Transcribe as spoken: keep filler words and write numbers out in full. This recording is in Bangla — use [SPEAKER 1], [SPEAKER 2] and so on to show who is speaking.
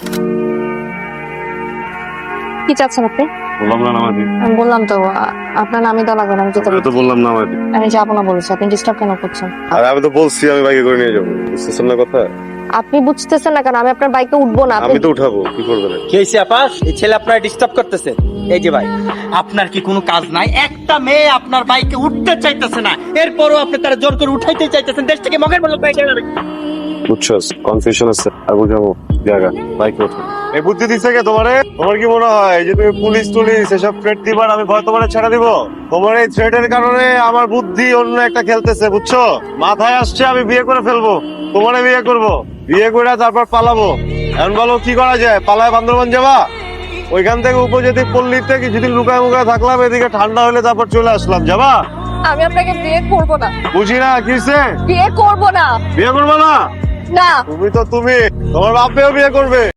[SPEAKER 1] কি চাচ্ছেন আপনি?
[SPEAKER 2] বললাম না নামাজি।
[SPEAKER 1] আমি বললাম তো আ- আপনার নামই তো লাগবে না, আমি যেতে
[SPEAKER 2] আমি তো বললাম নামাজি।
[SPEAKER 1] আমি যাবো না বলেছি, আপনি ডিস্টার্ব কেন করছেন?
[SPEAKER 2] আর আমি তো বলছি আমি বাইকে করে নিয়ে যাবো, বুঝতেছেন না কথা?
[SPEAKER 1] আপনি বুঝতেছেন না কেন? আমি আপনার বাইকে উঠবো না।
[SPEAKER 2] আমি তো উঠাবো, কি করবেন?
[SPEAKER 3] কি হয়েছে আপা? এই ছেলে আপনার ডিস্টার্ব করতেছে। এই যে ভাই, আপনার কি কোনো কাজ নাই? একটা মেয়ে আপনার বাইকে উঠতে চাইতেছে না, এরপরও আপনি তারা জোর করে উঠাইতে চাইতেছেন। দেশ থেকে মগের মূল্য পেয়ে যাবে।
[SPEAKER 2] বুঝছস, কনফিউশন আছে। আর বুঝাবো জায়গা বাইকে ওঠো। এই বুদ্ধি দিচ্ছে কে তোমারে? তোমার কি মনে হয় যে তুমি পুলিশ টুলিশ এসব থ্রেট দিবার আমি ভয় তোমারে ছেড়ে দিব? তোমার এই থ্রেটের কারণে আমার বুদ্ধি অন্য একটা খেলতেছে, বুঝছো? মাথায় আসছে আমি বিয়ে করে ফেলবো, তোমারে বিয়ে করব, বিয়ে করে তারপর পালাবো। এখন বলো কি করা যায়? পালায় বান্দরবান যাবা? ওইখান থেকে উপজাতি পল্লীতে কিছুদিন লুকায় মুকায় থাকলাম, এদিকে ঠান্ডা হলে তারপর চলে আসলাম। যাবা?
[SPEAKER 1] আমি আপনাকে বিয়ে করবো না।
[SPEAKER 2] বুঝি না কিসে
[SPEAKER 1] বিয়ে করবো না।
[SPEAKER 2] বিয়ে করবো না?
[SPEAKER 1] না।
[SPEAKER 2] তুমি তো তুমি, তোমার বাপেও বিয়ে করবে।